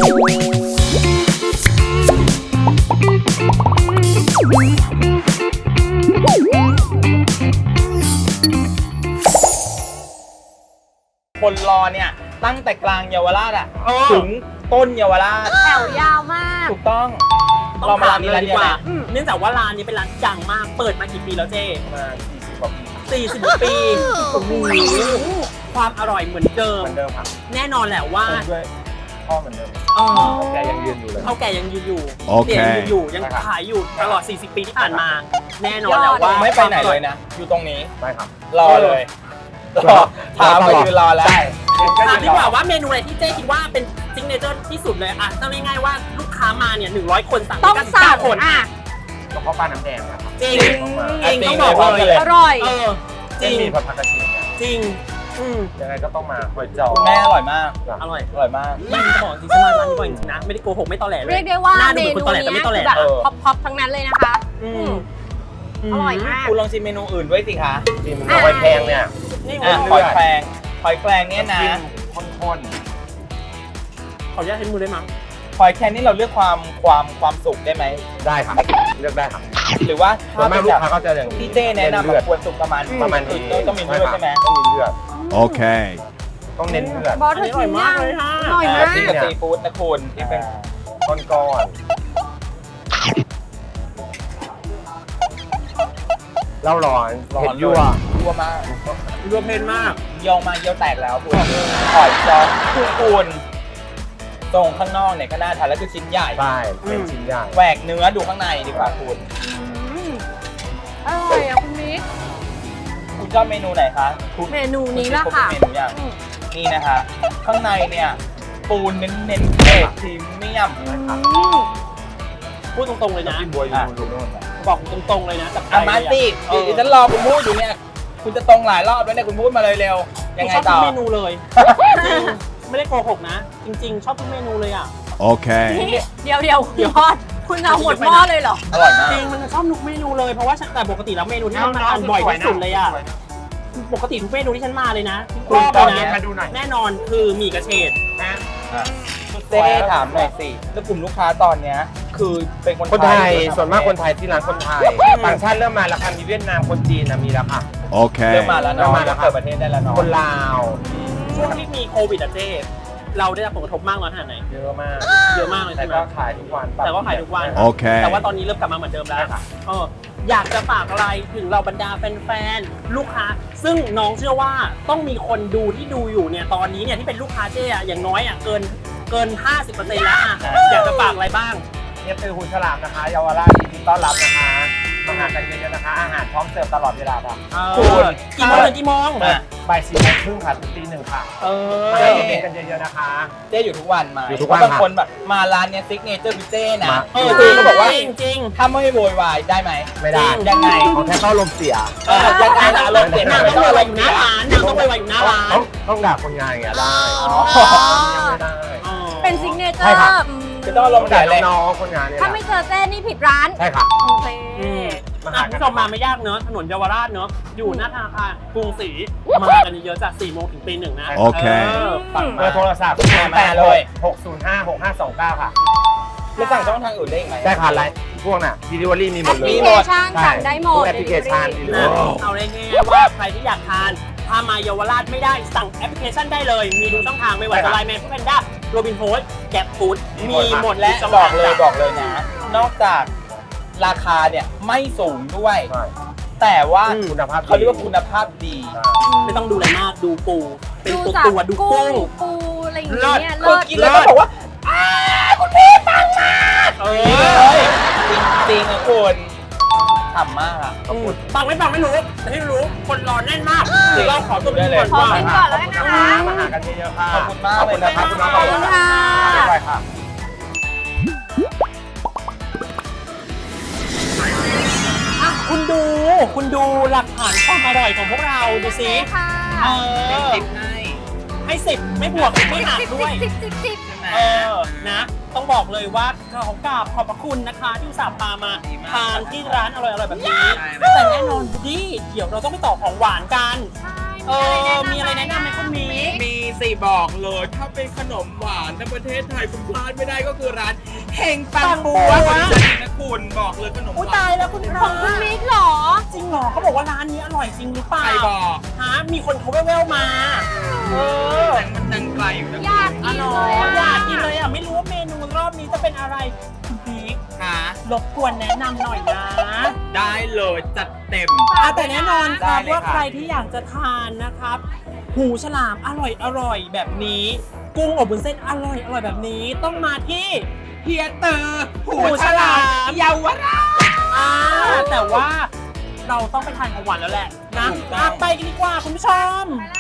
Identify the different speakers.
Speaker 1: คนรอเนี่ยตั้งแต่กลางเยาวราชอ่ะถึงต้นเยาวราช
Speaker 2: แถวยาวมาก
Speaker 1: ถูกต้อง
Speaker 3: เรามาร้านนี้เลยดีกว่าเนื่องจากว่าร้านนี้เป็นร้านดังมากเปิดมากี่ปีแล้วเจ๊
Speaker 1: มา40 กว่าปี
Speaker 3: 40 ปีโอ้โหความอร่อยเหมือนเดิม
Speaker 1: ครับ
Speaker 3: แน่นอนแหละว่า
Speaker 1: ด้วยพ่อเหมือนเดิมแกยังยืนอยู่เลย
Speaker 3: เขาแกยังยืนอยู่เนี่ยยังอยู่ยังขายอยู่ตลอด40 ปีที่ผ่านมาแน่นอนแล้วว่า
Speaker 1: ไม่ไปไหนเลยนะอยู่ตรงนี้
Speaker 4: ได้ครับ
Speaker 1: รอเลยถามไปยืนรอแล้ว
Speaker 3: ถามดีกว่าว่าเมนูอะไรที่เจ๊คิดว่าเป็นซิกเนเจอร์ที่สุดเลยอ่ะต้องง่ายๆว่าลูกค้ามาเนี่ย100 คนสั่ง
Speaker 2: ต้องสั่งคน
Speaker 3: อ่ะ
Speaker 4: กระเพาะปลาน้ำแดงครับ
Speaker 3: จริงต้องบอกเลย
Speaker 2: อร่อย
Speaker 4: จริงมีผัดผักกระเทียม
Speaker 3: จริง
Speaker 4: ยังไงก็ต้องมาหอยจอ
Speaker 1: แม่อร่อยมาก
Speaker 3: อร่อย
Speaker 1: มาก
Speaker 3: ไม่จะบอกจริงๆมาร้านนี้บ่อยจริงๆนะไม่ได้โกหกไม่ตอแหลเลย
Speaker 2: เรียกได้ว่าเมนูนี้แบบพ็อปทั้งนั้นเลยนะคะอร่อยมาก
Speaker 1: คุณลองชิมเมนูอื่นด้วยสิคะ
Speaker 4: ชิมหอยแครงเนี่ย
Speaker 1: หอยแครงเนี่ยนะ
Speaker 4: ข้น
Speaker 3: ขออนุญาตใช้มือได้มั้ง
Speaker 1: หอยแครงนี่เราเลือกความสุกได้ไหม
Speaker 4: ได้ครับเลือกได้ครับ
Speaker 1: หรือว่า
Speaker 4: ถ้าเป็นลูกค้าก็จะอย่าง
Speaker 1: พี่เจ้แนะนำควรสุกประมาณนี้ต้องมีเลือดใช่ไหม
Speaker 4: ต้องมีเลือด
Speaker 5: โอเค
Speaker 4: ต้องเน้นเลือด
Speaker 2: บอสเธอชิมมากเลยค่ะอร่อยมาก
Speaker 1: จิ้มกับซีฟู้ดนะคุณ
Speaker 4: ที่เป็นก้อนเล่าร้อนเผ็ดยั่ว
Speaker 1: มาก
Speaker 3: ยั่วเผ็ดมาก
Speaker 1: เยี่ยวมาเยี่ยวแตกแล้วคุณหอยจ้อคุณตรงข้างนอกเนี่ยก็น่าทานแล้วคือชิ้นใหญ่
Speaker 4: ใช่เป็นชิ้นใหญ่
Speaker 1: แหวกเนื้อดูข้างในดีกว่าคุณ
Speaker 2: อร่อยอ่ะคุณมิก
Speaker 1: คุณชอบเมนูไหนคะ
Speaker 2: เมนูนี้ละค่ะ
Speaker 1: เมนูอย่างนี่นะคะข้างในเนี่ยปูเน้นเกรดพรีเมียม
Speaker 3: พูดตรงๆเลยนะ
Speaker 4: บัวอยู่นู่น
Speaker 3: บอกตรงๆเลยนะจาก
Speaker 1: มาสิฉันรอคุณพูดอยู่เนี่ยคุณจะตรงหลายรอบแล้วเนี่ยคุณพูดมาเลยเร็วยังไงต่อ
Speaker 3: ชอบทุกเมนูเลยไม่ได้โกหกนะจริงๆชอบทุกเมนูเลยอ่ะ
Speaker 5: โอเค
Speaker 2: เดี๋ยวพอดคุณเอาหมดหม้อเลยเหรอ
Speaker 1: อร่อยมาก
Speaker 3: จริงมันชอบทุกเมนูเลยเพราะว่าแต่ปกติแล้วเมนูที่ฉันมาทานบ่อยที่สุดเลยอ่ะปกติทุกเมนูที่ฉันมาเลยนะรอบเลยนะแน่นอนคือหมี่กระเฉดนะ
Speaker 1: เจ๊ถามหน่อยสิแล้วกลุ่มลูกค้าตอนเนี้ยคือเป็น
Speaker 4: คนไทยส่วนมากคนไทยที่ร้านคนไทยต่างชาติเริ่มมาแล้วค่ะมีเวียดนามคนจีนมีแล้วค่ะ
Speaker 5: โอเค
Speaker 1: เริ่มมาแล้วเนาะเปิดประเทศได้แล้วเนาะ
Speaker 4: คนลาว
Speaker 3: ช่วงที่มีโควิดอะเจ๊เราได้รับผลกระทบมากน้อยขนาดไหน
Speaker 4: เยอะมาก
Speaker 3: เลย
Speaker 4: แต่ก็ขายทุกวัน
Speaker 5: โอเค
Speaker 3: แต่ว่าตอนนี้เริ่มกลับมาเหมือนเดิมแล้วอยากจะฝากอะไรถึงเราบรรดาแฟนๆลูกค้าซึ่งน้องเชื่อว่าต้องมีคนดูที่ดูอยู่เนี่ยตอนนี้เนี่ยที่เป็นลูกค้าเจ๊อะอย่างน้อยอะเกิน 50% แล้วอะอยากจะฝากอะไรบ้าง
Speaker 4: เนี่ยคือหุ่นฉลามนะคะเยาวราชยินดีต้อนรับนะคะมาหากันเยอะๆนะคะอาหารพร้อมเสิร์ฟตลอดเวลาค่ะ
Speaker 3: คุณกี่โมงถึงกี่โมง
Speaker 4: บ่าย 4:30 ค่ะถึงตี 1ค่ะมากันเยอะๆนะคะ
Speaker 1: เจ๊อยู่ทุกวันมา
Speaker 4: อยู่ทุกวัน
Speaker 1: บางคนแบบมาร้านเนี้ยซิกเนเจอร์พิเจ้นะคือเขาบอกว่า
Speaker 3: จริง
Speaker 1: ถ้าไม่โวยวายได้ไหม
Speaker 4: ไม่ได้
Speaker 1: ยังไง
Speaker 4: เขาแค่เข้าลมเสีย
Speaker 1: ยังไงนะลมเสีย
Speaker 3: นางต้องไปอยู่หน้าร้านนางต้องไปอยู่หน้าร้าน
Speaker 4: ต้องด่าคนงานอย่างเงี้ยได้
Speaker 2: เป็นซิกเนเจอร์
Speaker 1: จะต้องลงด่า
Speaker 4: น้องคนงานเนี่ย
Speaker 2: ถ้าไม่เจอเจ้นี่ผิดร้าน
Speaker 4: ใช่ค่ะ
Speaker 2: โอเค
Speaker 3: คุณผู้ชมมาไม่ยากเนอะถนนเยาวราชเนอะอยู่หน้าธนาคารกรุงศรีมากันเยอะจาก4 โมงถึงตี 1นะ
Speaker 5: โอเค
Speaker 4: เบอร์โทรศัพท์8เลย6056529ค่ะ
Speaker 1: แล้วสั่งช่องทางอื่นได้ไหม
Speaker 4: ได้ค่ะไลน์พวกน่ะ Delivery มีหมดเลย
Speaker 2: แอปพลิเคชันสั่งได้หมด
Speaker 4: แอปพลิเคชัน
Speaker 3: เอาเลยง่ายๆว่าใครที่อยากทานถ้ามาเยาวราชไม่ได้สั่งแอปพลิเคชันได้เลยมีทุกช่องทางไม่ว่าจะไลน์แมนแพนด้าโรบินโฮสแกร็บฟู้ดมีหมด
Speaker 1: และบอกเลยนะนอกจากราคาเนี่ยไม่สูงด้วยแต่ว่า
Speaker 4: คุณภาพ
Speaker 1: เขาเรียกว่าคุณภาพดี
Speaker 3: ไม่ต้องดูอะไรมากดูปูเป็นตัวดูกุ้ง
Speaker 2: ปูอะไรอย่างเงี้ย
Speaker 1: เลิศกินแล้วก็บอกว่าคุณพี่ปังมากจริงนะคุณฉ่ำมากอ่ะ
Speaker 3: ปังไม่รู้แต่ที่รู้คนรอแน่นมากเราขอตัวไปก่อน
Speaker 2: ขอกินก่อนแล้วนะคะ
Speaker 4: มาหากันเยอะๆค่ะ
Speaker 1: ขอบคุณมากเลยนะครับ
Speaker 4: คุณน้องขอบคุณค่ะไปค่ะ
Speaker 3: คุณดูหลักฐานความอร่อยของพวกเราดูสิให้10ไม่บวกไม่หักด้วยนะต้องบอกเลยว่าขอบพระคุณนะคะที่อุตส่าห์พามาทานที่ร้านอร่อยๆแบบนี้แต่แน่นอนดิเดี๋ยวเราต้องไปต่อของหวานกันมีอะไรแนะนำไหมคุณมี
Speaker 1: สิบอกเลยถ้าเป็นขนมหวานในประเทศไทยคุณพลาดไม่ได้ก็คือร้านเฮงปังปัวของดิฉันนะคุณบอกเลยขนมห
Speaker 3: อุ้ยว
Speaker 1: าน
Speaker 3: ตายแล้วคุณพ
Speaker 2: ข
Speaker 3: ระ
Speaker 2: องคุณมิกเหรอ
Speaker 3: จริงเหรอเขาบอกว่าร้านนี้อร่อยจริงหรือเปล่า
Speaker 1: ใครบอก
Speaker 3: ฮะมีคนเขาแว่วๆมาเออ
Speaker 1: แต่มันดังไกลอยู่นะ
Speaker 2: อยากกินเลยอะ
Speaker 3: อยากกินเลยอ่ะไม่รู้ว่าเมนูรอบนี้จะเป็นอะไรคุณพีค
Speaker 1: หาร
Speaker 3: บกวนแนะนำหน่อยนะ
Speaker 1: ได้เลยจัดเต็ม
Speaker 3: แต่แน่นอนครับ
Speaker 1: ได้เลย
Speaker 3: ว่า
Speaker 1: ค่ะ
Speaker 3: ใครที่อยากจะทานนะครับ หูฉลามอร่อยแบบนี้ กุ้งอบวุ้นเส้นอร่อยแบบนี้ต้องมาที่
Speaker 1: เฮียเตอร์หู
Speaker 3: หู
Speaker 1: ฉ
Speaker 3: ฉ
Speaker 1: ลา
Speaker 3: ลาม
Speaker 1: มเยาวราช
Speaker 3: แต่ว่าเราต้องไปทานของหวานแล้วแหละนะ
Speaker 1: ถูกต้อง
Speaker 3: ไปกันดีกว่าคุณผู้ชม
Speaker 2: ไปแล้ว